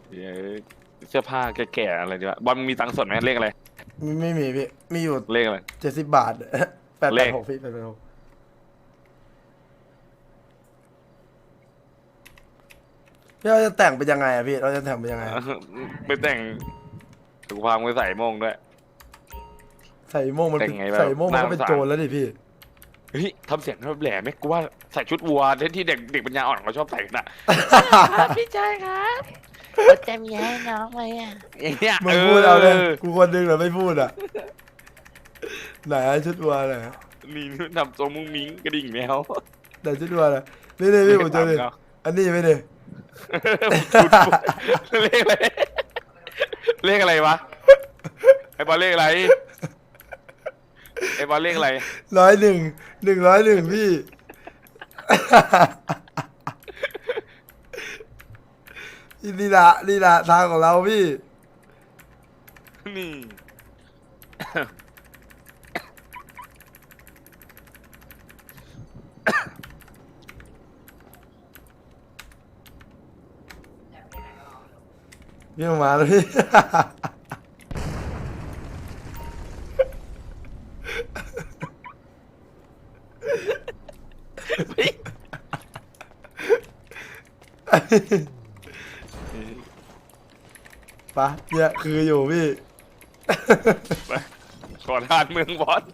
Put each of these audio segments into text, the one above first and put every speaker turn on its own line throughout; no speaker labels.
เดี๋ยวเสื้อผ้าแก่ๆอะไรดีวะบอลมึงมีตังค์สดไหมเลขอะไร
ไม่มีพี่มีอยู่
เลขอะไร
70 บาทแปด
เลข
แปดหกพี่886พี่เราจะแต่งเป็นยังไงอะพี่เราจะแต่งเป็นยังไงอะ
ไปแต่งสุขภาพมือใส่โม่งด้วย
ใส่โม่งมัน
แต่
เป็น
งไงแบบ
ใส่โม่งมันก็เป็น
น่าสงสาร
โจรแล้วดิพี่
เฮ้ยทำเสียงแหลมไหมกูว่าใส่ชุดวัวที่เด็กปัญญาอ่อนเขาชอบใส่กันอะ
ครับพี่ชายครับเราจะมีให้น้องไหมอ่ะ
อย่างเงี้ย
มึงพูดเอาเลยกูคนนึงเหรอไม่พูดอ่ะไหนอะชุดวัวไหนอะ
นี่ทำทรงมุ้งมิ้งกระดิ่งแมว
ไหนชุดวัวน่ะนี่นี่พี่ผมเจอเลยอันนี้ไม่เนี่ย
เลขอะไรเลขอะไรวะไอ้บอลเลขอะไรไอ้บอลเลขอะไร
101พี่นี่ละทางของเราพี่
นี่
พี่มาแล้วพี่ ปะเนี่ยคืออยู่พี่
ขอทานเมืองบอล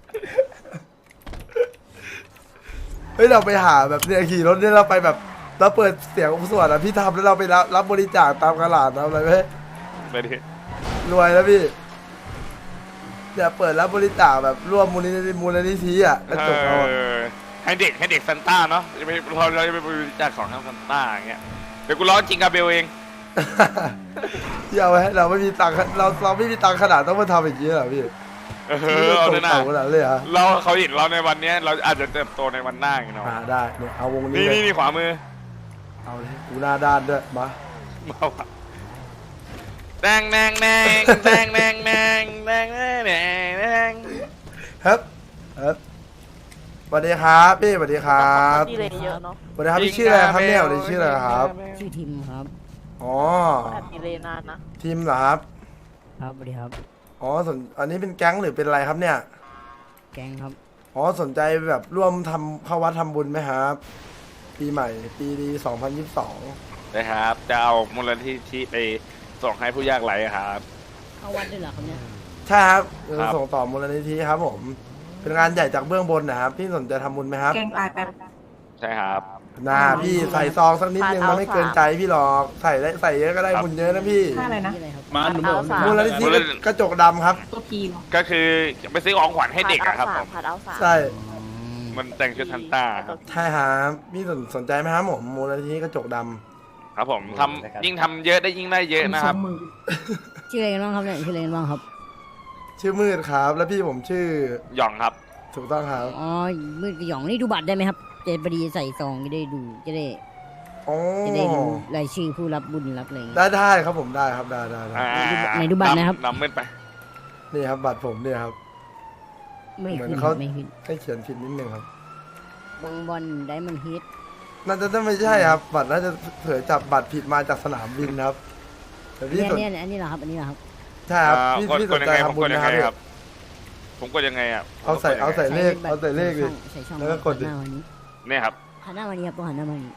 เฮ้ยเราไปหาแบบเนี่ยขี่รถเนี่ยเราไปแบบเราเปิดเสียงสวดอ่ะพี่ทำแล้วเราไปรับบริจาคตามตลาดทำอะไรไหม
ไปดิ
รวยแล้วพี่เนี่ยเปิดรับบริจาคแบบร่วมมูลนิธิอ่ะกระจกเอาอะ
ให้เด็กซันต้าเนาะจะไปเราจะไปบริจาคของทางซันต้าอย่างเงี้ยเดี๋ยวกูร้องจิงกาเบลเอง
พี่เอาไว้ให้เราไม่มีตังค์เราไม่มีตังค์ขนาดต้องมาทำอย่างนี้เหรอพี่
เอาเลยนะ
เต่าขนาดเลยเหรอ
เราเขาเห็นเราในวันเนี้ยเราอาจจะเติบโตในวันหน้าอย่างเนาะ
ได้เนี่ยเอาวงนี้
นี่
เลย
นี่ขวามือ
เอาเลยกูหน้าด้านด้วยมา
มาว่ะแดงแดงแดงแดงแดงแดงแดงแดงแดงแดง
ครับสวัสดีครับพี่สวัสดีครับ
ดีเลยเยอะเนาะ
สวัสดีครับพี่ชื่ออะไรครับเนี่ยสวัสดีชื่ออะไรครับ
ชื่อทิมครับ
อ๋อ
แอบดีเลยนานนะ
ทีมเหรอครับ
ครับสวัสดีครับ
อ๋ออันนี้เป็นแก๊งหรือเป็นอะไรครับเนี่ย
แกงครับ
อ๋อสนใจแบบร่วมทำเข้าวัดทำบุญไหมครับ ปีใหม่ปีดี2022
นะครับจะเอามูลนิธิไปส่งให้ผู้ยากไร้ครับ
เข้าวัดด้วยเหรอครับเนี่ย
ใช่ครับ
ครับ
ส่งต่อมูลนิธิครับผม เป็นงานใหญ่จากเบื้องบนนะครับ พี่สนใจทำบุญไหมครับ
แกงตายแป๊บ
ใช่ครับ
น่าพี่ใส่ซองสักนิดนึงมันไม่เกินใจพี่หรอกใส่เยอะก็ได้
ครับ
บุญเยอะนะพี่
ค่าอะไรนะ
นี่อะไรครับ
เอาสาม
มูลนิธิกระจกดำครับ
ตัวพีเหรอ
ก็คือไปซื้อของขวัญให้เด็กอะครับผม
ผัดเอาสาม
ใช่
มันแต่งชุดซันต้าครับ
ใช่ครับพี่สนใจไหมครับผมมูลนิธิกระจกดำ
ครับผมทำยิ่งทำเยอะได้ยิ่งได้เยอะนะครับ
สองหมื่น
ชื่ออะไรกันบ้างครับเนี่ยชื่ออะไรกันบ้างครับ
ชื่อมืดครับ แล้วพี่ผมชื่อ
หย่องครับ
ถูกต้องครับ
อ๋อมืดกระหย่องนี่ดูบัตรได้ไหมครับจะพอดีใส่ซองจะได้ดูจะได้
อ๋อ
จะได้เห็นรายชื่อผู้รับบุญรับอะไรอย่างเงี้ย
ได้ครับผมได้ครับได้
ไหนดูบัตรนะครับ
นำมืดไป
นี่ครับบัตรผมเนี่ยครับ
ไม่
เหมือน
ขึ้น
เขา
ไม่ขึ้น
ให้เขียนผิดนิดนึงครับ
บางบอลไดมอนด์ฮิต
น่าจะไม่ใช่ครับ บัตรน่าจะเผยจับบัตรผิดมาจากสนามบินครับแต่พี่สน
เนี่ยอันนี้เหรอครับอันนี้เหรอครับ
ใช่ครับ
กด
พี่
ก
ส
ด
น
ยัง
ใจ
ไงผม
ทำบุ
ก
ญ
ดยัง
นะค
ไง
รับ
ครับ ผมกดยังไงอ่ะ
เอาใส่เลขเอาใส่เลขดิ
ใส่ช่อง
แล้วก็กดดิ
หันหน้ามานี้
เนี่ยครับ
หันหน้ามานี้ครับต้องหันหน้ามานี้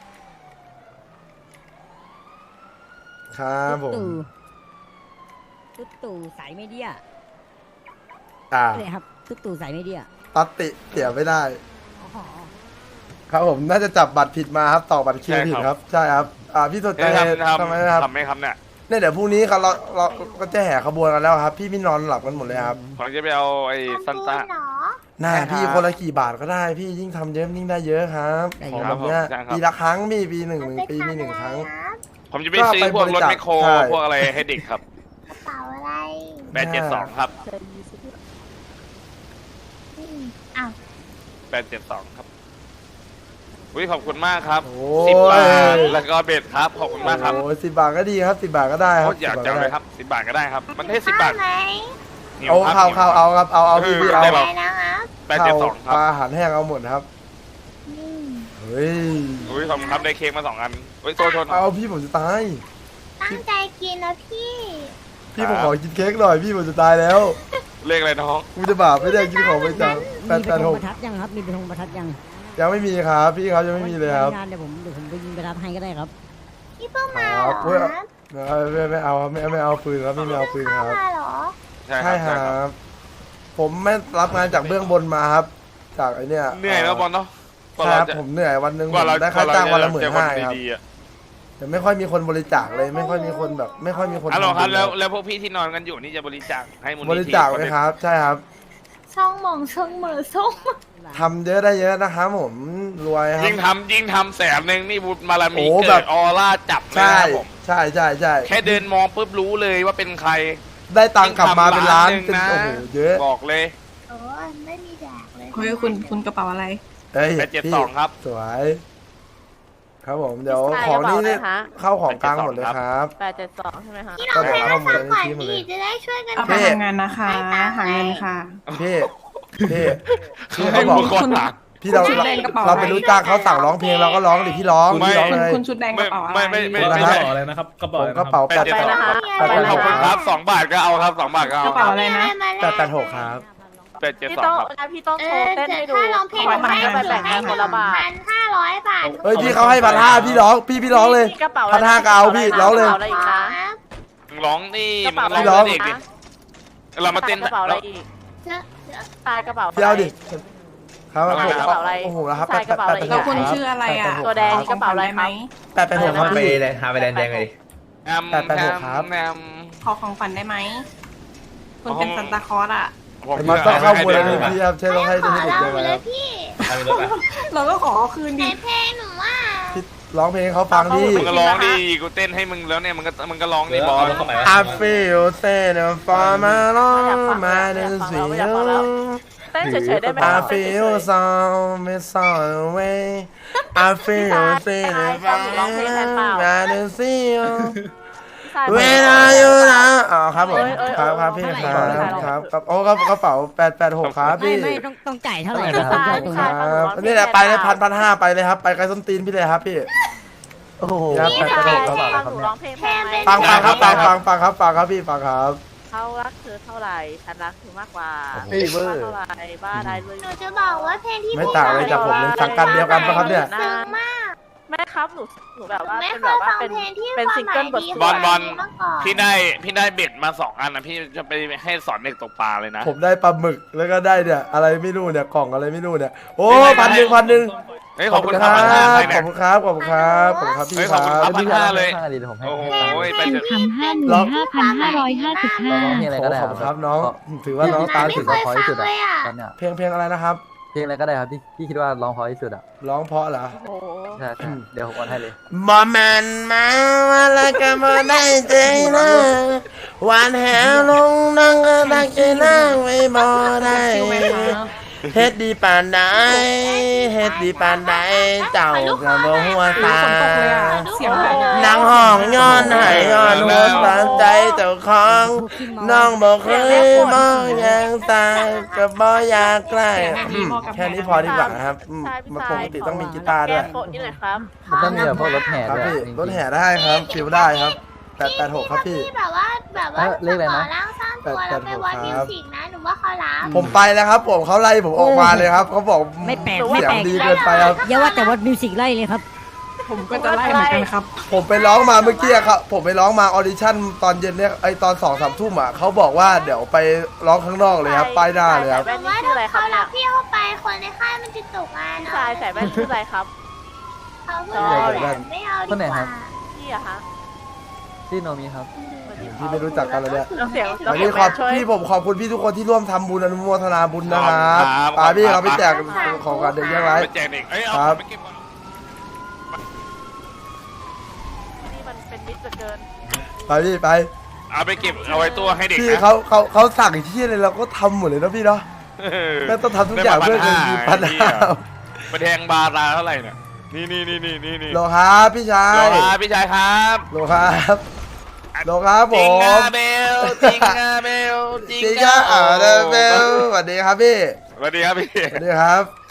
ครับผม
ตุ๊ตู่สายไม่เดีย
อ่า
เนี่ยครับตุ๊ตู่สายไม่เดีย
ตัดติเสียไม่ได้
อ๋อ
ครับผมน่าจะจับบัตรผิดมาครับต่อบัตรคิว
ใช่
ผิด
ครับ
ครับใช่ครับพี่สนใจ
ทำ
ทำไมนะครับ
ทำไหมครับเนี่ย
เนี่ยเดี๋ยวพรุ่งนี้ครับเราก็จะแห่ขบวนกันแล้วครับ พี่ไม่นอนหลับกันหมดเลยครับ
ผมจะไปเอาไอ้ซันต้า
น่า
ใช่ครับ
พี่คนละกี่บาทก็ได้ พี่ยิ่งทำเยอะยิ่งได้เยอะครับของแบบเนี้ย
ใช่ครับ
ปีละครั้งพี่ปีหนึ่งปีมีหนึ่งครั้ง
ผมจะไปซื้อพวกรถแมคโคร
ใช่
พวกอะไรให้เด็กครับ
กระเป๋าอะไร
872ครับ
เคยมีสิพี่
อ้าว
872ครับอุ้ยขอบคุณมากครับ
โอ้
10 บาท
ย
แล้วก็เบ็ดครับขอบคุณมากครับ
โอ้10 บาทก็ดีครับ10 บาทก็ได้ค
โค
รับ
ตรอยาก
10
จัง
ก็
เล
ได้
ยครับ10 บาทก็ได้ครับ มันให้10 บาท
ไหม
หิว
เอา
ครับ
ข้าวเอาครับเอาพี่เอา
ได้
อะ
ค
ไร
รับ
นะครับ
872 ค
ป
รับ
ลาอาหารแห้งเอาหมดครับ
อืม
เฮ้ย
อุ้ยขอบคุณครับได้เค้กมา2 อันอุ้ยโทษ
เอาพี่ผมจะตาย
ตั้
ตั้งใจกินนะพี่
พี่ผมขอกินเค้กหน่อยพี่ผมจะตายแล้ว
เลขอะไรน้อง
กูจะบาปไม่ได้กินของไปจัง
มี
แปด
ไป
แปด
ธ
ห
ง
ก
ประทัดยังครับมีไปธงประทัดยัง
ยังไม่มีครับพี่ครับยังไม่มีเลยครับ
งานเดี๋ยวผมไปยิงประทัดให้ก็ได้ครับ
พี่เพิ่งมา
ค
เหร
รับ
อ
เพื่อไม่เอาครับไม่เอาปืนครับไม่เอาปืนครับ
มาเหรอ
ใช่
ใช่ครับ ผมไม่รับงานจากเบื้องบนมาครับ จากไอเนี้ย
เหนื่อยแล้วบอลเนาะกว่า
ค
เรา
รับ
จะ
ผมเหนื่อยวันหนึ่ง
กว่าเรา
ได้ค่าจ้างวันละ
เจอคน
15,000ครับ
ดีๆอะ
แต่ไม่ค่อยมีคนบริจาคเลยไม่ค่อยมีคนแบบ ไม่ค่อยมีคน
ฮัลโหลครับ
ทำบุญ
แล้วพวกพี่ที่นอนกันอยู่นี่จะบริจาคให้มูลนิธิ
บริจาคไหมครับ ใช่ครับ
ช่องหมองช่องเหมือช่อง
ทำเยอะได้เยอะนะครับผมรวยครั
ยิ่
บ
งทำแสนหนึ่งนี่บุญบารมี
โอ้แบ
เกิ
บ
ดออร่าจับเลย
ใช่
นะครับผม
ใช่ใช่ใช่
แค่เดินมองปุ๊บรู้เลยว่าเป็นใคร
ได้ตังค์กลับมาเป็นล้าน
ยิ่ง
เป็น
ทำ
โอ้โหเยอะ
บอกเลย
โอ้ยไม่มีแดกเลย
เฮ้ยคุณกระเป๋าอะไร
เอ้ย
872ครับ
สวย ครับผมเดี๋ยวของนี่เข้าของกลางหมดเลยครับ
872ใช่ไหมคะ
พี่ร้องเพลงให้ฟังก่อนพี่จะได้ช่วยกัน
เอาไปทำงานนะคะ หาเงินค่ะ
พี่พี่
ให้
เขาบอก
มึงกดหลัง
พี่เรา
ชุดแดงกระเป๋า
เราไปรู้จ้างเขาสั่งร้องเพลงเราก็ร้องดิพี่ร้อง
ไม่
พี่ร้องเลย
คุณชุดแดงกระเป๋าอะไร
ไม่
กระ
ใช่
เป๋า
อะไรนะครับกระ
ผ
เป๋าม
กระเป๋า
แปดเจ็ดสอง ขอบคุณครับ2 บาทก็เอาครับ2 บาทก็
ก
เอา
ระเป๋าอะไรนะ
886ครับ
พี่ต้อง
872ครับ
พี่ต้อง
เอ
โช
อ
ว์เต้น
เดี๋
ให้
ยว
ดู
ถ้าร้องเพลง
ขอ
ให้
ให้
ไป
แบ่ง
ให้
คนละบาท
1,500 บาท
เอ้ยพี่เขาให้1,500พี่ร้องพี่ร้องเลย
กระเป๋า
1,500ก็เอาพี่ร้องเลย
กระเป๋าอะไรอีกคะ
มึงร้องนี่
กระ
มึ
เป๋าง อะไร
ร้อง
อี
เด็
ก
กดิ
คะ
เรามาเต้น
กระเป๋าอะไรอีก
เจ๊
ตายกระเป๋า
พี่เอาดิครับ
อะไร
ผม
นะ
กระเป๋าอะไร
โอ้โหแล้วครับ
ใส่กระเป๋าอะไร
แล้วคุณชื่ออะไรอ่ะ
ตัวแดงนี่กระเป๋าอะไรครับ
886ครับ
ไป
พี่
เลยหาไปแดนแดงเลย
แอม
886ครับ
แอม
ขอของฝันได้ไหม คุณเป็นซันตาคลอสอ่ะ
ผม
มันต้องเข้ามูล
ให้
นิ
ด็ก
ธิครับใช่ต้องให้
ขอ
เด็ก
เรา
เลย
เล
ครั
ย
บ
พี่
เอาไปรถไป
เราก็ขอเอาคืน
ใน
ดิ
เพลงหนูว่า
พี่ร้องเพลงให้เขาฟังดิ
มึงก็ร้องดิกูเต้นให้มึงแล้วเนี่ยมึงก็ร้องดิบอล
I feel sad for my love my decision
เต้นเฉยๆได้ไหม
I feel so miss all away I feel sad for my decision When are you now อ๋อครับผมครับพี่ครับโอ้กระเป๋า886ครับ
ไม่
พี่
ไม่ต้องจ่ายเท่าไหร่
ไม่
ครับ
ใช่
ตรง
ใช่
นี้
ครับนี่แหละไปเลย1,500ไปเลยครับไปไกลส้นตีนพี่เลยครับพี่โอ้โหครับ
พี่ชาย
886ครับ
ฟังหนูร้องเพลงได้ไหม
ฟังครับพี่ฟังครับ
เขารักเธอเท่าไหร่ฉันรักเธอมากกว่า
เฮ้ยเวอร์
เท่าไหร่บ้าได้เลย
หนูจะบอกว่าเพลงที่
ไม่ต่างอะไรจากผมเลยสังกัดเดียวกันปะครับเนี่ย
ซึ้งมาก
แม่ครับหนูแบบว่า
ไม่
เป็น
เค
แบบ
ย
ว่า
ฟัง
เป็น
เพลงที่
เป็น
ความ
ซิง
หมา
เกิล
ย
บท
ดี
บอล
มาก่อน
พี่ได้เบ็ดมา2 อันนะพี่จะไปให้สอนเด็กตกปลาเลยนะ
ผมได้ปลาหมึกแล้วก็ได้เนี่ยอะไรไม่รู้เนี่ยกล่องอะไรไม่รู้เนี่ยโอ้1,100
เฮ้ยขอบคุณครับ
ข
1,500
อบ
เนี่ย
คุณครับขอบคุณครับขอบคุณครับพี่
เฮ้ย
ค
ขอ
รั
บบ คุณครับ1,500เลย โอ้โหไปเถอะ
คำห้า
ร้อง
เพลงอะไรก็ได้
ขอบคุณครับน้องถือว่าน้องตา
ไม่
ถึง
เคยฟังเลยอ่ะ
ตอนเนี้ย
เพลงอะไรนะครับ
เพลงอะไรก็ได้ครับที่พี่คิดว่าร้องเพราะที่สุดอ่ะ
ร้องเพราะเหรอ
โอ้โห
ใช่ใช่เดี๋ยวผมโอนให้เลย
บ่แม่นมาว่าละก็บ่ได้ใจนะหวานแหลงนังก็ตักใจนางไว้บ่ได้
คิวไหมคะ
เฮ็ดดีปานใดเฮ็ดดีปานใดเจ้าก็บ่หัวตา
ฝนตกเลยอ่ะ เสียงแบบ
นางห้องย้อนให้ย้อนหัวสานใจเจ้าของน้องบ่เคยมองอย่างตาก็บ่อยากใกล้แค่นี้พอดีกว่านะครับ
ใช่พี่
มัน
ชาย
ปกติต้องมีกีตาร์ด้วย
แก้โปะนี่เลยครับ
มันต้องมีแบบพวกรถแห่
ครับ
ด้วย
พี่
จงๆ
รถแห่ได้ครับฟิวได้ครับ886ครับพี่
ที่แบบว่า
เลขอะไรนะ
ร่างสร้างตัวแล้วไปวัดมิวสิกนะหนูว่าเขารับ
ผมไปแล้วครับ ผมเขาไล่ผมออกมาเลยครับเขาบอก
ไม่แปลก
เสียงดีเกินไปครับ
อย่าว่าแต่วัดมิวสิกไล่เลยครับ
ผมก็จะไล่เหมือนกันครับ
ผมไปร้องมาเมื่อกี้ครับผมไปร้องมาออดิชั่นตอนเย็นเนี่ยไอตอน2-3 ทุ่มอ่ะเขาบอกว่าเดี๋ยวไปร้องข้างนอกเลยครับป้ายหน้าเลยครับ
แว่
แต่
น
ว่า
นี่ชื่ออะไรครั
เขา
บเนี่
รั
ย
บพี่เข้าไปคนในค่ายมันจะตกงาน
พี่ชายใส่แว่นชื่ออะไรครับ
เขาพูดแบบไม่เอาดีกว่า
พี่อะคะ
ที่โนมีครับ
พี่ไม่รู้จักกันเลยเนี่ย
เราเสียง
วันนี้ขอบพี่ผมขอบคุณพี่ทุกคนที่ร่วมทำบุญอนุโมทนาบุญนะครับ
ครับ
ปาพี่เราไปแจกของกันเด็กยังไง
ไปแจกเด็กเอ้ยเอา
ครับ
ไปเก็บก่อน
นี่มันเป็นมิตรเหลือเกิน
ไปพี่ไป
เอาไปเก็บเอาไว้ตัวให้เด็ก
พี่
นะ
เขาสั่งที่อะไรเราก็ทำหมดเลยนะพี่เนาะ แม่งต้องทำทุกอย่างเพื่อเงินมีปัญหา
ไปแทงบาร์ราเท่าไหร่เนี่ยนี่
โลครับพี่ชา
โล
ย
ครับพี่ชายครับ
โลครับโลครับผ
จิง
ม
กาเบลจิงกาเบล
จิงก้าเบลสวัสดีครับพี่
สวัสดีครับพี่
สวัสดีครับ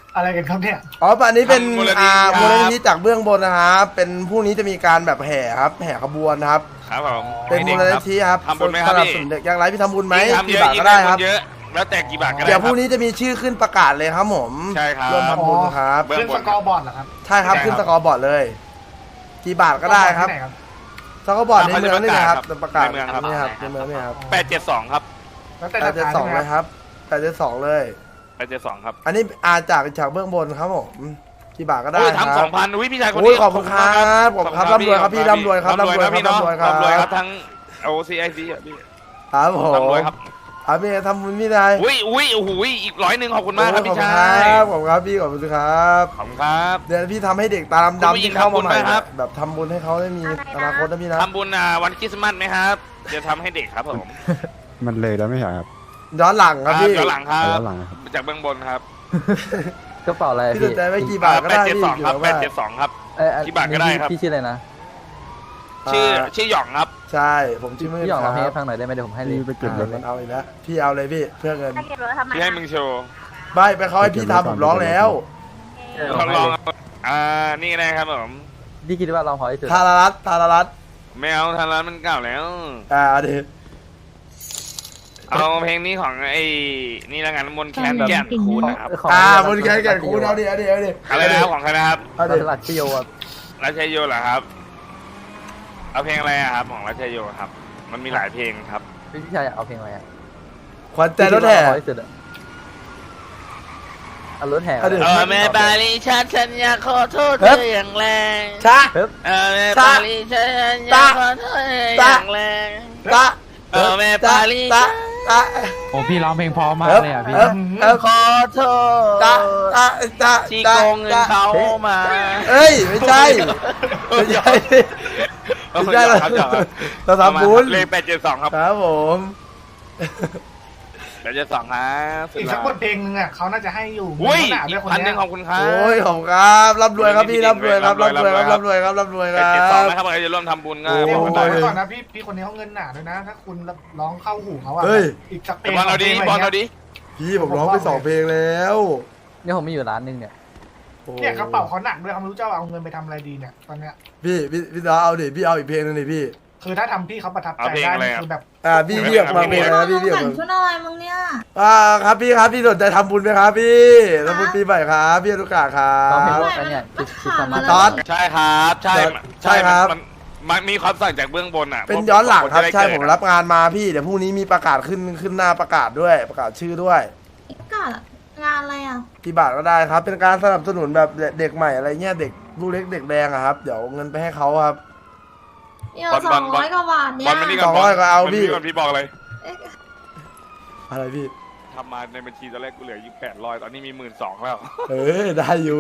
อะไรกันครับเนี่ย
อ๋ออันนี้เป็น
มูลนิธิครับ
มูลนิธิจากเบื้องบนนะครับเป็นพรุ่งนี้จะมีการแบบแห่ครับแห่ขบวนครับ
ครับผม
เป็นมูลนิธิครับ
ทำบุญไหมครับ
สนับ
พี่
สนุนเด็กยากไร้พี่ทำบุญไหม
ยิ่งทำเย
กี่
อะ
บาท
ยิ่
ก็
ง
ได้
ได้
ครับ
เยอะแล้วแต่กี่บาทก็ได้
เดี๋ยวพรุ่ง
ค
นี้จะมีชื่อขึ้นประกาศเลยครับผม
ใช่ครับ
ร่วมทำบุญครับ
เบื้อง
ขึ้น
บ
ส
น
กอร์บอร์ดเหรอครับ
ใช่ครับ
ใช่ครับ
ขึ้นสกอร์บอร์ดเลย กี่บาทก็ได้ครับ
ที่หน
สกอร์บอร์ดในเมืองนี่นะครับ
ครับ
ประกาศ
ในเมืองครับ
นี่ครับในเมืองนี่ครับ
872ครับ
แล้วแต่
แป
รา
ดเจ็ด
คา
สอง
ใช่ไหม
เลยครับ872เลย
872ครับ
อันนี้จากเบื้องบนครับผมกี่บาทก็ได้
โอ้ย
ครับ
ทำ2,000อุ้ยพี่ชายคน
โอ้ย
นี้
ขอบคุณครับขอบคุณครับร่ำรวยครับพี่ร่ำรวยครับ
ร่ำรวยครับพี่น้อง
ร่ำรวยครับ
ร่ำรวยครับทั้ง OCIC อ่ะพี่
ครับผม
ร่ำรวยครับ
พี่ทำบุญพี่นาย
อุ้ยโอ้โหอีก100ขอบคุณมากครับพี่ชาย
ขอบคุณครับพี่ขอบคุณครับ
ขอบคุณครับ
เดี๋ยวพี่ทำให้เด็กตา
คุณ
ดำ
ผู้
ๆ
หญิง
ที่เข้ามาใหม่
ทำบุญไหมครับ
แบบทำบุญให้เขาได้มีอนาคตนะพี่นะ
ทำบุญวันคริสต์มาสไหมครับจะทำให้เด็กครับผม
มันเลยแล้วไม่ใช่ครับ
ย้อนหลังครับพี่
ย้อนหลังครับ
ย้อนหลังครับ
จากเบื้องบนครับ
กระเป๋าอะไรอะ
พี่ส
พี่
นใจไว้กี่บาทก็ได้พี่
872ครับ
อยู่แล้วว่า
872ครับ
อัน
กี่บาทก็ได้ครับ
พี่ชื่ออะไรนะ
ชื่อหยองครับ
ใช่ผมชื่อมืด
พี่หยอง
ค
ร้
รั
องเพลงให้ฟังหน่อยได้ไหมเดี๋ยวผมให้เลย
พี่ไปเก็บรถ
มันเอาอีกแล้วพี่เอาเลยพี่เพื่อเงิน
ถ้าเก็บรถทำไม
พี่ให้มึงโชว์
ไม่ไปเขาให้พี่ทำผมร้องแล้ว
ลองนี่นะครับผม
พี่คิดว่าร้องเพราะที่สุด
ทารารัตน์
ไม่เอาทางร้านมันเก่าแล้ว
เอาดิ
เอาเพลงนี้ของไอ้นี่ละกันมนต์แคนแก่นคูณนะครับ
ของ
บนแขนแก่คูณเอาดิเอาดิเอาดิ
อะไรนะครับของใครนะครับ
เอา
รั
ดิ
ชลัดชิโยอะ
รัชโยเหรอครับ เอาเพลงอะไรอะครับของรัชโยครับ มันมีหลายเพลงครับ
พี่ชายอยากเอาเพลงอะไรอะ
ขวัญใจรถแห่
พี่คิดว่าร้องเพราะที่สุดอะเอารถแห่
เอาดิ
แม่บาลีฉันอยากขอโทษเธออย่างแรง
ชะ
เฮ้ย
แม่บาลีฉันอยากขอโทษเธออย่างแรง
ตะ
แม่บาลี
ตะตะ
โอ้พี่ร้องเพลงเพอมากเลยอ่ะพี่
ขอโทษ
ตะตะ
ที่โกงเงินเขามา
เอ้ยไม่ใช่ไม่ใช่ไม่ใช่เราทำบุญ
เลข872ครับ
ครับผม
872ครับ
อีกสักบทเพลงนึงอ่ะเขาน่าจะให้อยู่
อุ้ย
หนาด้วยคน
พันห
เนี้
นึ่
ย
งขอบคุณครับ
โอ้ยขอบคุณครับร่ำรวยครับพี่ร่ำรวยครับร่ำรวยครับร่ำรวยครับร่ำรวยครั
872
บ
นะครับใครจะร่วมทำบุญก็
โอ้
เนี่ย
บ
ผ
อก
ม
กัน
บอก
ได้
ไว้ก่อนนะพี่คนนี้เขาเงินหนาด้วยนะ ถ้าคุณร้องเข้าหูเขาอ่ะ
เฮ้ย
อีกสักเพลง
บอลเอาดิบอลเอาดิ
พี่ผมร้องไป2 เพลงแล้ว
เนี่ยผมมีอยู่ร้านหนึงเนี่ย
โอ้
เนี่ยกระเป๋าเขาหนักด้วยเขาไม่รู้จะเอาเงินไปทำอะไรดีเนี่ยตอนเนี้ย
พี่น้องเอาดิพี่เอาอีกเพลงนึงดิพี่
คือถ้าทำพี่เขาประทับใจ
เอาเพลง
ได้
อะไร
นี่
อะ
คือแบบ
พี่ออกมาเพลงอะไรนะพี่ออกมา
ชุดอะไรมึงเนี่ย
ครับพี่สนใจทำบุญไหมครับพี่ทำบุญปีใหม่ครับพี่อนุกาครั
ร้องเพลง
บ
ว่าอันเนี่ยคิดสมา
ตอน
ใช่ครับใช่
ใช่ครับ
มันมีความสั่งจากเบื้องบนอ่ะ
เป็นย้อนหลังครับ
จะได้
ใช่
เกิด
ผมรับงานมาพี่เดี๋ยวพรุ่งนี้มีประกาศขึ้นหน้าประกาศด้วยประกาศชื่อด้วย
กาดงานอะไรอ่ะ
กี่บาทก็ได้ครับ เป็นการสนับสนุนแบบเด็กใหม่อะไรเงี้ยเด็กลูกเล็กเด็กแดงอะครับเดี๋ยวเงินไปให้เขาครับ
เดี๋ยว200 กว่าบาท
บ
เนี่
อล
ย
มันนี่ก่อน
200ก็เอาพี่
ก่อนพี่บอกเลย
อะไรพี่
ทำมาในบัญชีตอนแรกกูเหลืออยู่800ตอนนี้มี12,000แล้ว
ได้อยู่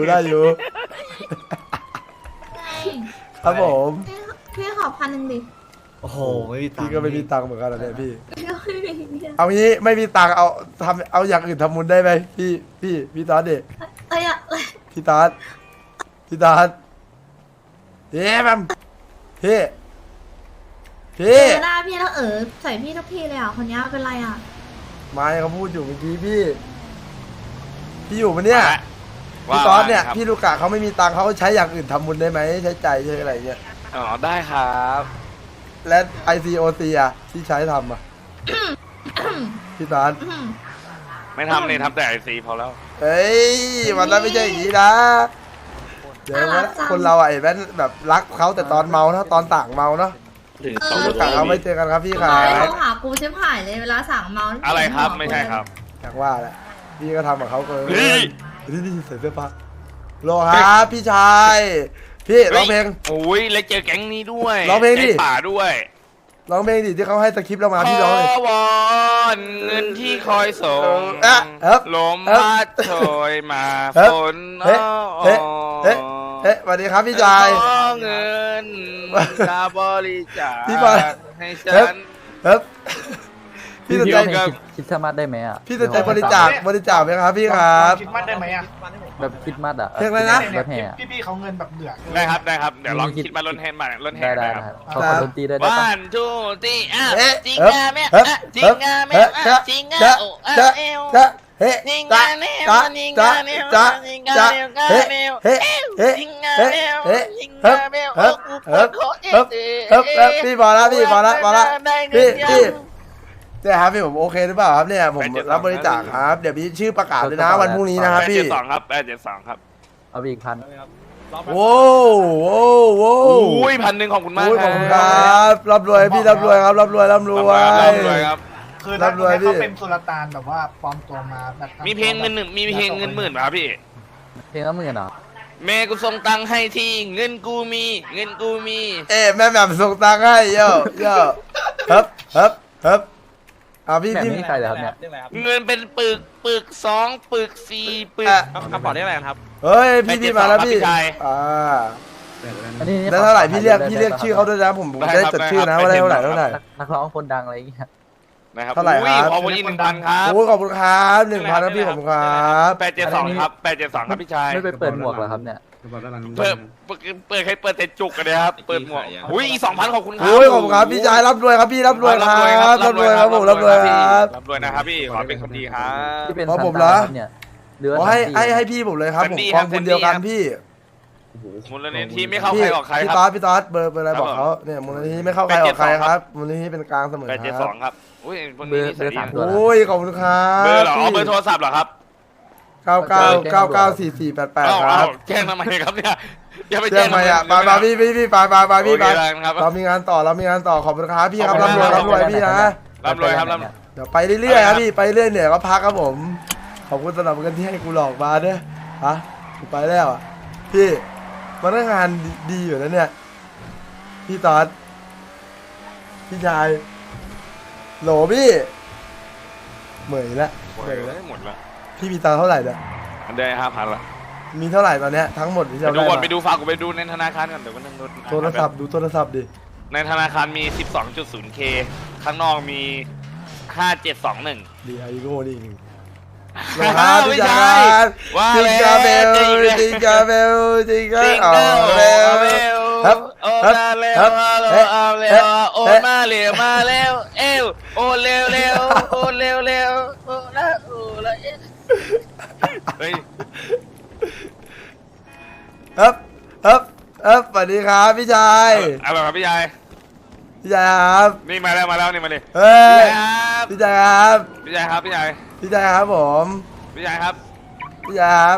ครับผม
พี่ขอ1,000ดิ
โอ้โห ไม่มีตัง
พี่
ค์
ก็ไม่มีตังค์เหมือนกันนะเนี่ยพี่
ไม่มีเนี่ย
เอางี้ไม่มีตังค์เอาอย่างอื่นทำบุญได้ไหมพี่ตอนดิ
เอ้ยอะ
พี่ตอนเย้แมมพี่
เจอหน้าพี่แล้วใส่พี่ทุกทีเลยอ่ะคนนี้เป็นไรอ่ะ
ไม่เขาพูดอยู่เมื่อกี้พี่อยู่ปะเนี่ย
ว่า
พี่ตอนเนี่ย
ว่าไงครับ
พี่ลูกกะเขาไม่มีตังค์เขาใช้อย่างอื่นทำบุญได้ไหมใช้ใจใช้อะไรเงี้ย
อ๋อได้ครับ
และ ICOC อ่ะที่ใช้ทำอ่ะ พี่ตอน
ไม่ทำเลยทำแต่ไอซีพอแล้ว
เฮ้ยวันนั้นไม่ใช่อย่างนี้นะเดี๋ยวนะคนเราอ่ะเห็นไหมแบบรักเขาแต่ตอนเมานะตอนต่างเมาเนาะ
ถึง
ลูกกะเขาไม่เจอกันครับพี่ค
ทำ
รั
ไม
บ
โทรหากูชิบหายเลยเวลาสั่งเมา
อะไรครับไม่ใช่ครับ
อยากว่าแหละพี่ก็ทำกับเขาเกิน
เฮ้ย
นี่ใส่เสื้อผ้าโลครับพี่ชายพี่ร้องเพลง
โอ้ยแล้วเจอแก๊งนี้ด้วย
ร้องเพลงดิ
ใจป่าด้วย
ร้องเพลงดิที่เขาให้สคริปต์เรามาพี่ร้องเลย
ขอวอนเงินที่คอยส่ง ลมพัดโชยมาฝน
เฮ้สวัสดีครับพี่ชาย
ขอเงินค่าบริจาค
พี่บอล
ให้ฉัน
พี่สน
พี่
ใจ
ร้องเพลงคิดสมาได้ไหมอ่ะ
พี่สนใจบริจาคไหมครับพี่ครับ
คิดมัดได้ไหมอ่ะ
แบบคิดมัดอ่ะ
เพลงอะไรนะ
รถแห่อะ
พี่เขาเงินแบบเหลือ
ได้ครับได้ครับเดี๋ยวลองคิดมาล้นแห่มาล้นแห่
ได้
นะครับ
ขอดนตรีด้วยได้ปะ
1 2 3
เอ๊ะ
จริงงาแม่จริงงาแม่จริงงา
จะเฮ้
ยิง
จ้า
กันเร็ว
จ้า
ยิง
จ้า
กันเร็ว
จ้า
ยิงกัน
จ้า
เร็ว
เฮ้
เร็ว
เฮ้เฮ้
ยิงกัน
เฮ้
เร็ว
เฮ้
ยิง
เฮ้
กันเร็ว
เฮ้เฮ้เฮ้พี่พอแล้วพี่พอแล้วพอแล้วพี่เนี่ยครับพี่ผมโอเคหรือเปล่าครับเนี่ยผมรับบริจาคครับเดี๋ยวมีชื่อประกาศเลยนะวันพรุ่งนี้นะครับพี่
872ครับ872ครับ
เอาไปอีกพัน
โว้โว้โว้
อุ้ย1,000ขอบคุณมาก
โอ้ยขอบคุณครับร่ำรวยพี่ร่ำรวยครับร่ำรวยร่ำรวย
ร่ำรวยครับ
คือถ้า
รับรวยพี่
เขาเป็นสุลต่านแบบว่าปลอมตัวมาแบบทำ
มีเพลงเงินหนึ่งมีเพลงเงินหมื่นป่ะครับพี่
เพลงละ10,000เหรอ
แม่กูส่งตังค์ให้ทีเงินกูมีเงินกูมี
เอ๊ะแม่แบบส่งตังค์ให้เย่เย่ฮึบเอาพี่
แบบ
พี่
นี้ใครเหรอครับเนี่ย
เงินเป็นปึก2 ปึก 4 ปึก
อ่ะ
กระเป๋าได้อะไรครับ
เฮ้ยพี่มาแล้วพี่
พี่ชาย
อ่า
อันนี้
แล้วเท่าไหร่พี่เรียกชื่อเขาด้วยนะผมจะได้จดชื่อนะว่าได้เท่าไหร่
นักร้องคนดังอะไรอย่างเงี้ย
นะครับ
เท่าไหร่ครับ
ขอบคุณอีก1,000ครับ
โอ้ยขอบคุณครับ1,000ครับพี่ขอบคุณครับ
872ครับ872ครับพี่ชาย
ไม่ไปเปิดหมวกเหรอครับเนี่ย
เปิดให้เปิดแต่จุกกันเลยครับเปิดหมวกอุ้ยอีก2,000ขอบคุณครับ
โอ้ยขอบคุณครับพี่ชายรับรวยครับพี่รับรวยครับรับรวยครับผมรับรวยครับ
รับรวยนะครับพี่ขอเป็นคนดีครับ
ที่เป็น
เพราะ
ซัน
ผม
ต้า
เหรอ
ครับเนี่ยเรือ
ขอให้พี่ผมเลยครับผมกองทุนเดียวกันพี่
มูลนิธิไม่เข้าใครออกใคร
พี่
ครับ
ต๊อดพี่ต๊อดเบอร์อะไรบอกเขาเนี่ยมูลนิธิไม่เข้าใครออกใครครับมูลนิธิเป็นกลางเสมอครับ
872ครับอุ้ยคน
เบอ
นี้
ร์
นิสัยดี
3ตัวนะ
โอ้ยขอบคุณครับ
เบอร์เหรอเอาเบอร์โทรศัพท์เหรอครับ
99994488ครับ
แจ้งทำไมครับเนี่ยอย่าไป
แจ้
แจ้
ง
ง
มาอ่ะไปพี่พี่ไปพี่ไป
ครับ
เรามีงานต่อขอบคุณครับพี่ครับร่ำรวยพี่นะ
ร่ำรวยครับร่ำ
เดี๋ยวไปเรื่อยๆครับพี่ไปเรื่อยเหนื่อยก็พักครับผมขอบคุณสำหรับเงินที่ให้กูหลอกมาเนี่ยฮะกูไปแล้วอ่ะพี่มันก็งานดีอยู่นะเนี่ยพี่ตอดพี่ชายโหลพี่เหมยละ
หมดแล้ว
พี่มีตังค์เท่าไหร่เนี่ย
อันได้5,000ละ
มีเท่าไหร่ตอนเนี้ยทั้งหมดที่
ไป
เรา
ดู
ได้
ก่อน
มา
ไปดูฝากกูไปดูในธนาคารก่อนเดี๋ยวมันนึง
โทรศัพท์ดูโทรศัพท์ดิ
ในธนาคารมี 12.0K ข้างนอกมี 5721
ดีไอโง่ดิ
ไม่
พี่
ใช่
ชาย
ว่า
จิง
แล้ว
กาเบล
จริงเลย
จิงกาเบลจิงกา
จริง
เอา
เด้อ
เบล
ครับโอ้มาเร็วเอาเร็วโอ้มาเร็วมาเร็วเอวโอ้เร็วเร็วโอ้เร็วเร็วโอ้ละโอ้ละเฮ้ย
สวัสดีครับพี่ชาย
เอาแบบครับพี่ชาย
พี่ชายครับ
นี่มาแล้วนี่มาเลย
เฮ้ย
พี่ชายครับ
พี่ชายครับ
พี่ชายครับพี่ชาย
พี่ชายครับผม
พี่ชายครับ
พี่ชายครับ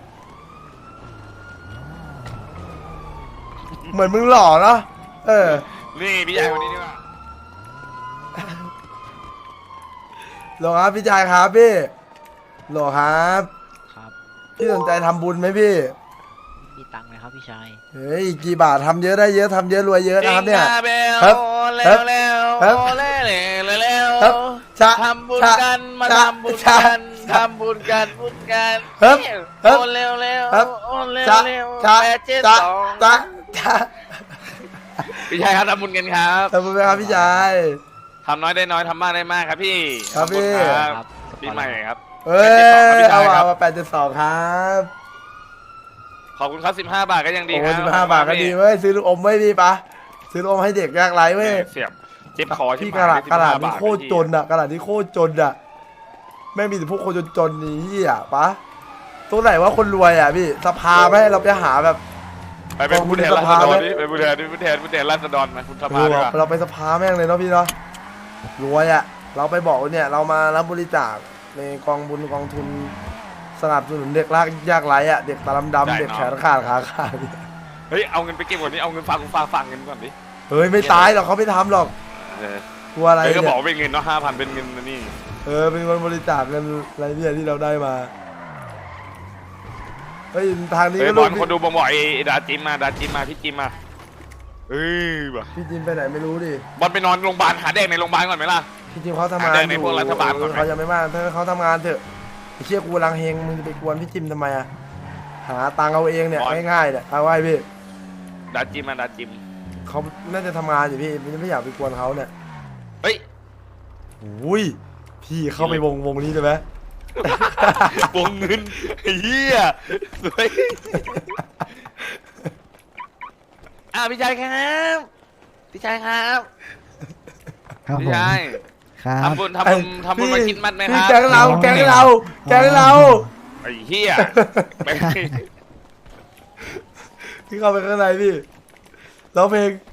เหมือนมึงหล่อเนาะ
นี่พี่ชายคนนี้ดีกว่า
หล่อครับพี่ชายครับพี่หล่อครับ
ครับ
พี่สนใจทำบุญไหมพี่
มีตังค์ไหมครับพี่ชาย
เฮ้ยกี่บาททำเยอะได้เยอะทำเยอะรวยเยอะนะครับเนี่ย
ค
ครั
รับบ เร็วเร็ว
ครับ
เร็วเร็ว
ครับชะ
ทำบุญ
ชะ
กันมา
ชะ
ทำบุญกัน
ชะ
ทำบุญกันบุญกัน
ครับครับ
โอนเร็วเร็ว
ครับ
โอนเร็ว
จ้า
เร็ว
จ้า
872
จ้า
พี่ชายครับทำบุญกันครับ
ทำบุญไหมครับพี่ชาย
ทำน้อยได้น้อยทำมากได้มากครับพี่
ครับพี่
ขอณครับปีใหม่ครับ
เอ้ย
872
เอา
ครับ
มา8.2ครับ
ขอบคุณครับ15 บาทก็ยังดี
โอ้
ครั
15 บาทก็ดีเว้ยซื้อลูกอมไว้พี่ปะซื้อลูกอมให้เด็กยากไร้เว้ย
เสียบเจ็บคอ
พี่
ที่
กระดาษ
15 บาท
นี่โคตรจนอะกระดาษนี่โคตรจนอะไม่มีแต่พวกคนจนๆนี่เหี้ยปะตรงไหนว่าคนรวยอะพี่สภาไหมเราไปหาแบบ
ไปเป็นผู้แทนราษฎรนี่ไปผู้แทนราษฎรมาคุณสภาดีกว่า
เราไปสภาแม่งเลยเนาะพี่เนาะรวยอะเราไปบอกเนี่ยเรามารับบริจาคในกองบุญกองทุนสนับสนุนเด็กยากไร้อะเด็กตาดำๆเด็กแขนขาดขาขาด
เฮ้ยเอาเงินไปเก็บก่อนนี่เอาเงินฝากเงินก่อนดิ
เฮ้ยไม่ตายหรอกเขาไม่ทำหรอก
เออก
ลัวอะไร
เฮ้ยก็
เนี่
บอก
ย
ว่าเป็นเงินเนาะ5,000เป็นเงินนะนี่
เป็นคนบริจาคเงินอะไรเนี่ยที่เราได้มาเฮ้ยทางนี้
เฮ้ย
ก็
บ
ลู
อก ลคนดูบอกไอ้ดาจิมมาพี่จิมมาเอ้ยว่ะ
พี่จิมไปไหนไม่รู้ดิ
บอลไปนอนโรงพยาบาลหาแดงในโรงพยาบาลก่อนไหมล่ะ
พี่จิมเขาทำงาน
หาแดงในพวกรัฐบาลก่อนไหม
เขายังไม่มาถ้าเขาทำงานเถอะไอ้เชี่ยกูกำลังเฮงมึงจะไปกวนพี่จิมทำไมอะหาตังค์เอาเองเนี่ยง่ายๆเนี่ยเอาไว้พี่
ดาจิม
เขาน่าจะทำงานอยู่พี่ไม่อยากไปกวนเขาเนี่ย
เฮ้ย
อุ้ยพี่เข้าไปวงนี้เลยไหม
วงเงินไอ้เหี้ยสวยพี่ชายครับพี่ชายครับ
ครับ
พี่
ผม
ชาย
ครับ
ทำบุญมาคิดมัดไหมค
พี่
รับ
แก๊งเราแก๊งเรา
ไอ้เหี้ยไป
พี่เข้าไปข้างในพี่ร้องเพลง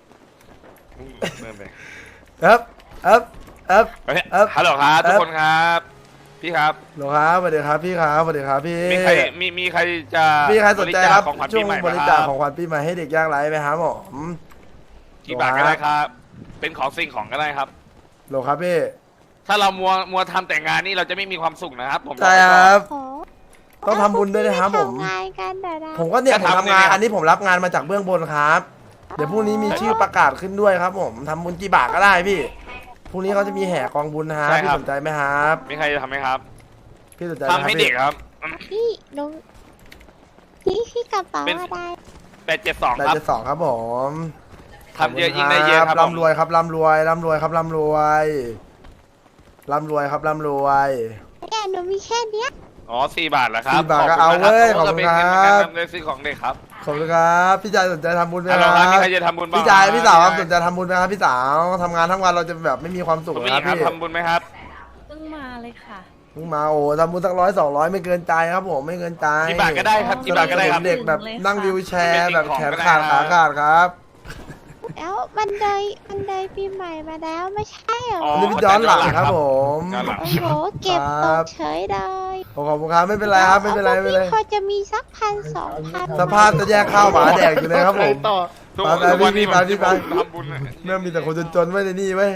ครับ
ฮัลโหลครับทุกคนครับ พี่ครับ
หรอครับสวัสดีครับพี่ครับสวัสดีครับพี่
มีใครจะ
มีใครสนใจรับ
ของขวัญ
ช่
ปี
วง
ใหม่ไห
บ
ม
ริ
ค
จา
รั
ค
บ
ของขวัญปีใหม่ให้เด็กยากไร้ไหมครับผม
กี่บาทก็ได้ครับ เป็นของสิ่งของก็ได้ครับ
หรอครับพี่
ถ้าเรามัวทำแต่งงานนี่เราจะไม่มีความสุขนะครับผม
ใช่ครับ
โอ้
ต้องทำบุญด้วยนะครับผม
ทำงานกันเดี๋ยวนะ
ผมก็เนี่ยผมทำงานอันนี้ผมรับงานมาจากเบื้องบนครับ เดี๋ยวพรุ่งนี้มีชื่อประกาศขึ้นด้วยครับผมทำบุญกี่บาทก็ได้พี่พรุ่งนี้เขาจะมีแห่กองบุญนะฮะพี่สนใจไหมครับ
มีใครจะทำไหมครับ
พี่สนใจ
ทำให้เด็กครับ
พี่ลุงพี่กระเป๋า
เป็น
อะไร
872
แต่
ครับ
จะสองครับผม
ทำเยอะยิ่งได้เยอะครับผม
ร่ำรวยครับร่ำรวยร่ำรวยครับร่ำรวยร่ำรวยครับร่ำรวย
เนี่ยหนูมีแค่เนี้ย
อ๋อ4 บาทเหรอครับ
4 บาทก็เอาเว้ย
ขอบคุณครับ
ขอบคุณครับ
ก็เป็นเงินในซื้อของเด็กครับ
ขอบคุณครับพี่ชายสนใจทำบุญไหม
ฮัล
ค
โหล
รับ
ครับมีใครจะทำบุญบ้าง
พี่ชายพี่สาวครับ
พี่
สนใจทำบุญไหมครับพี่สาวทำงานทั้งวันเราจะแบบไม่มีความสุข
คุณผู้ห
นะ
ญิงครับ
พี่
ทำบุญไหมครับ
เพิ่งมาเลยค่ะ
เพิ่งมาโอ้ทำบุญสัก100-200ไม่เกินใจครับผมไม่เกินใจ
กี่บาทก็ได้ครับกี่บาทก็ได้ครับ
เด็กแบบนั่งวิวแชร์แบบแขนขาด
เป็นสิ่
ขาง
ของก็ได้
ขาดครับ
แล้วมันเลยปีใหม่มาแล้วไม่ใช่เหรอ
อ๋อ
อันนี้พี่ย้อนหลังครับผม
ย้อนหลัง
โอ้โหเก็บตกเฉยเลย
ขอบคุณครับไม่เป็นไรครับไม่เป็นไรไม่เป็นไร
พี่พอจะมีสัก1,000-2,000
สภาพจะแยกข้าวหมาแดกอยู่เลยครับผม
ทุก
ไป
ทุกวันนี้
ไปพี่ไป
ผมทำบุญอะ
เริ่มมีแต่คนจนๆไว้ในนี่ไว้ย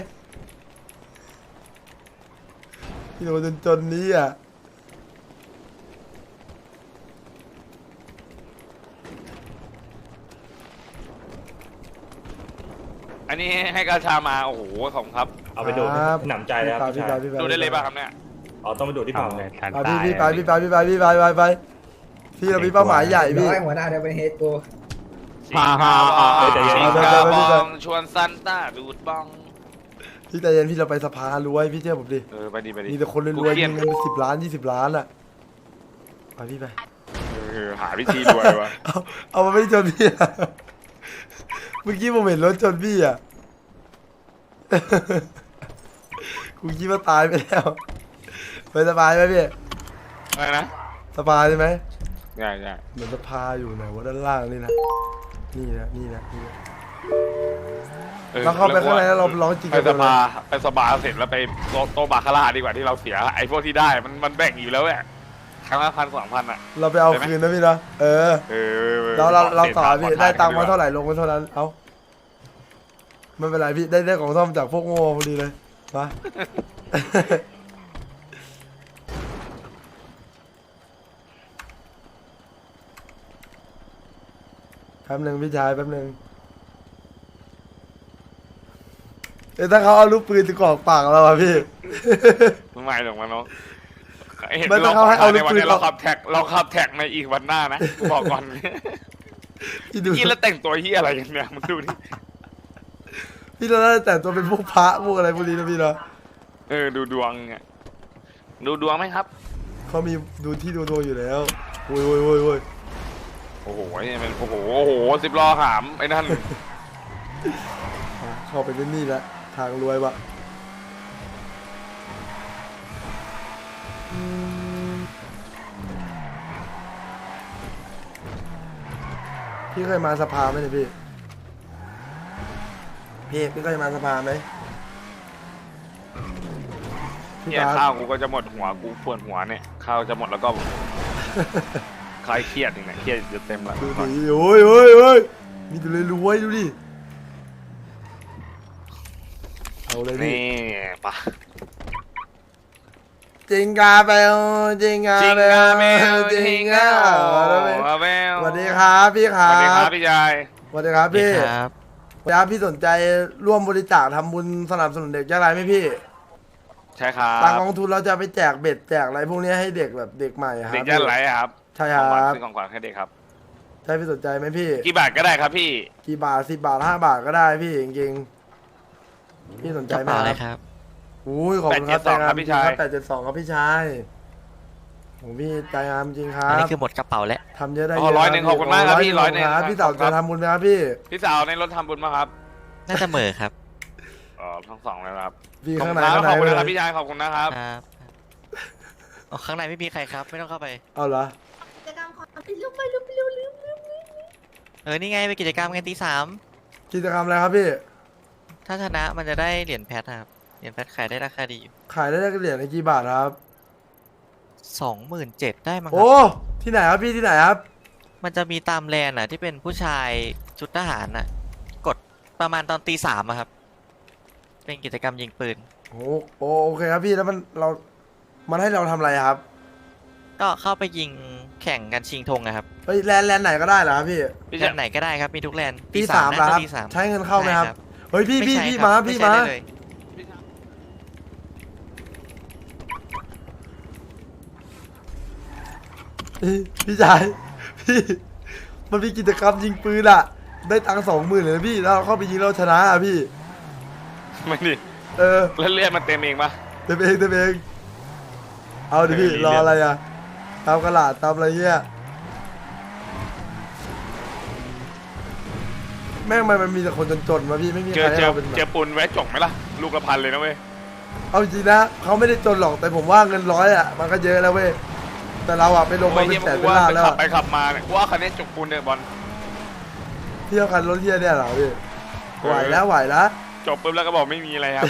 มีแต่คนจนๆนี้อ่ะ
อันนี้ให้กาชามาโอ้โหขอบคุณครับ
เอาไปดูด
ครับ
หนำใจเลยครับ
พี่
พี่
ไป
ชาย
พี่ไป
ดูได้เลยป่ะครับเนี่ย
อ๋อต้องไปดูดที่เผา
เลยทัน
ไป
ตาย
พี่ไปพี่ไปพี่ไปพี่ไปไปพี่เรามีเป้าหมายใหญ่พี่
หัวหน้าเดี๋ยวเป็นเฮดกู
ชิงกาบองชิงกาบองชวนซันต้าดูดบอง
พี่ใจเย็นพี่เราไปสภารวยพี่เชื่อผมดิ
ไปดี
มีแต่คนรวยๆ
กูเครี
มี
ด
เงินเป็น10 ล้าน20 ล้านอ่ะไปพี่ไป
หาวิธีรวยวะ
เอามาไม่ชนพี่อะเมื่อกี้ผมเห็นรถชนพี่อ่ะ กูคิดว่าตายไปแล้วไปสบายไหมพี่
อะไรนะ
สบายใช่ไหม
ง่าย
เหมือนสภาอยู่ไหนวะด้านล่างนี่นะนี่นะนี่นะนี่นะ เราเข้าไปข้างในแล้วเราร้องจริง
ไปสบาเสร็จแล้วไปโตบาคาร่าดีกว่าที่เราเสียไอ้พวกที่ได้มันแบ่งอยู่แล้วแหละครั้งละ1,000-2,000อ่ะ
เราไปเอาคืนนะพี่นะเออเราต่อพี่ได้ตังค์มาเท่าไหร่ลงมาเท่านั้นเอาไม่เป็นไรพี่ได้ของซ่อมจากพวกโง่พอดีเลยมาแป๊บหนึ่งพี่ชายแป๊บหนึ่งถ้าเขาเอาลูกปืนจะกรอกปากเราอะพี่
ไม่หรอกมันเนาะ
ไม่ต้องเขาให้เอาลูกปืน
เราขับแท็กในอีกวันหน้านะบอกก่อน
พี่ดู
พี่แล้วแต่งตัวที่อะไรกันเนี่ยมันดูดิ
พี่เราได้แต่งตัวเป็นพวกพระพวกอะไรพวกนี้นะพี่เนาะ
ดูดวงไงดูดวงไหมครับ
เขามีดูที่ดูดวงอยู่แล้วโอ้ยโอ้ยโอ้ยโอ้ย
โอ้โหนี่มันโอ้โห10 ล้อหามไอ้นั่น
เข้าไปเป็นนี่แหละทางรวยปะพี่เคยมาสภาไหมเนี่ยพี่เคยมาสภาไหมพี่
เนี่ย
ตา
ข้าวกูก็จะหมดหัวกูปวดหัวเนี่ยข้าวจะหมดแล้วก็คลายเครียดอย่างเนี้ยเครียดจะเต็มละ
ดูดิโอ้ยโอ้ยโอ้ยมีแต่เลยรวยดูดิเอาเลยพี่
นี่ปะ
จิงกาเบลจิงกาเบลจิงกาเบลสวัสดีครับพี่ค
ส
รับ
วัสดีครับพี่ชาย
สวัสดีครับพี่
ครับ
ครับพี่สนใจร่วมบริจาคทำบุญสนับสนุนเด็กยากไร้ไหมพี่
ใช่ครับ
ทางกองทุนเราจะไปแจกเบ็ดแจกอะไรพวกนี้ให้เด็กแบบเด็กใหม่ครับ
เด็กยากไร้ครับ
ใช่ครับ
ซื้อของขวัญให้เด็กครับ
ใช่พี่สนใจไหมพี่
กี่บาทก็ได้ครับพี่
กี่บาท10 บาท5 บาทก็ได้พี่จริงๆพี่สนใจไหมครับอุ้ยขอบคุณครับใจงามจริงครับ872ครับพี่ชายผมพี่ใจงามจริงครั
อัน
บ
นี้คือหมดกระเป๋าแล้ว
ทำเยอะได้
อ๋อ100ขอบคุณมากครับพี่100
ครับพี่เต่าจะทำบุญไหมครับพี่
พี่สาวในรถทำบุญมาครับ
น่าจะเหม่อครับ
อทั้งสองเลยครับ
พี่
ขอบ
ข้าง
คุ
ใน
ณครับ
ข้าง
ขอบคุณ
ใน
นะครับพี่ชายขอบคุณนะครับ
ครับข้างในไม่มีใครครับ ไม่ต้องเข้าไป
เอาเหรอ
กิจกรรมของลุกไปลุกไปเร็วเร็วเร็ว
นี่ไงเป็นกิจกรรมกันตี 3
กิจกรรมอะไรครับพี่
ถ้าชนะมันจะได้เหรียญแพทครับ เหรียญแพทขายได้ราคาดีอยู่
ขายได้เหรียญในกี่บาทครับ
27,000ได้มั้งค
โอ้
รับ
ที่ไหนครับพี่ที่ไหนครับ
มันจะมีตามแลนด์ที่เป็นผู้ชายชุดทหารกดประมาณตอนตี 3อะครับ เป็นกิจกรรมยิงปืน
โอเคครับพี่แล้วมันให้เราทำอะไรครับ
ก็เข้าไปยิงแข่งกันชิงธงนะครับ
เฮ้ยแลนด์ไหนก็ได้เหรอครับพี่
พี่
แล
ชาย
นด์ไหนก็ได้ครับ มีทุกแลนด์
ตีสาม
นะ
นะครับ
ตี 3
ใช้เงินเข้าไหมครับ เฮ้ยพี่
ไม่ใช่
พี่
ครับ
มา
ไม่
พี่
ใช่
มา
ได้เลย
พี่ชายพี่มันมีกิจกรรมยิงปืนอะได้ตังค์20,000เลยนะพี่แล้วเข้าไปยิงเราชนะอะพี่
ไม่ดิ
เออ
แล้วเลือดมันเต็มเองปะ
เต็มเองเอาดิพี่
เออ
รออะไรอะตามกระดาษตามอะไรเงี้ยแม่งมันมีแต่คนจนๆมาพี่ไม่มี
เจ
ใคร
อ
ให้
เจอ
เราเป็น
เจอปูนแวะจ่องไหมล่ะลูกละพันเลยนะเว้ย
เอาจริงนะเขาไม่ได้จนหรอกแต่ผมว่าเงิน100อะมันก็เยอะแล้วเว้ยแต่เราอะไปลง
โอ้
มาย เป็
เยี่ย
น
ม
แสน
กู
เป็น
ว่า
ล้าน
ไป
แล้ว
ขับ
อะ
ไปขับมาเนี่ยกูว่าคันนี้จุกปูนเนี่ยบอล
เที่ยวกันรถเที่ยวเนี่ยเหรอพี่ไหวแล้วไหวแล้ว
จบปุ๊บแล้วก็บอกไม่มีอะไรครับ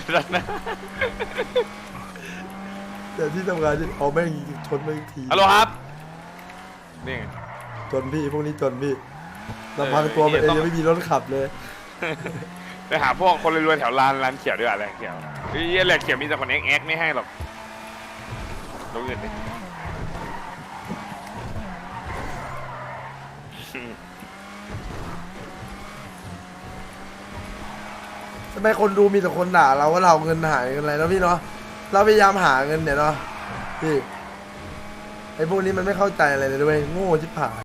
เดี๋ยวที่ทำงานที่เอาแม่งชนแม่งที
ฮัลโหลครับนี่ไง
จนพี่พวกนี้จนพี่ลำพังตัวมันเองยังไม่มีรถขับเลย
ไปหาพวกคนรวยๆแถวร้านเขียวด้วยอะไรเขียวไอ้เหี้ยแหละเขียวมีแต่คนเอ็กไม่ให้หรอกลงเงินดิ
ทำไมคนดูมีแต่คนด่าเราว่าเราเงินหายเงินอะไรแล้วพี่เนาะเราพยายามหาเงินเนี่ยเนาะพี่ไอ้พวกนี้มันไม่เข้าใจอะไรเลยด้วยโง่ชิบหาย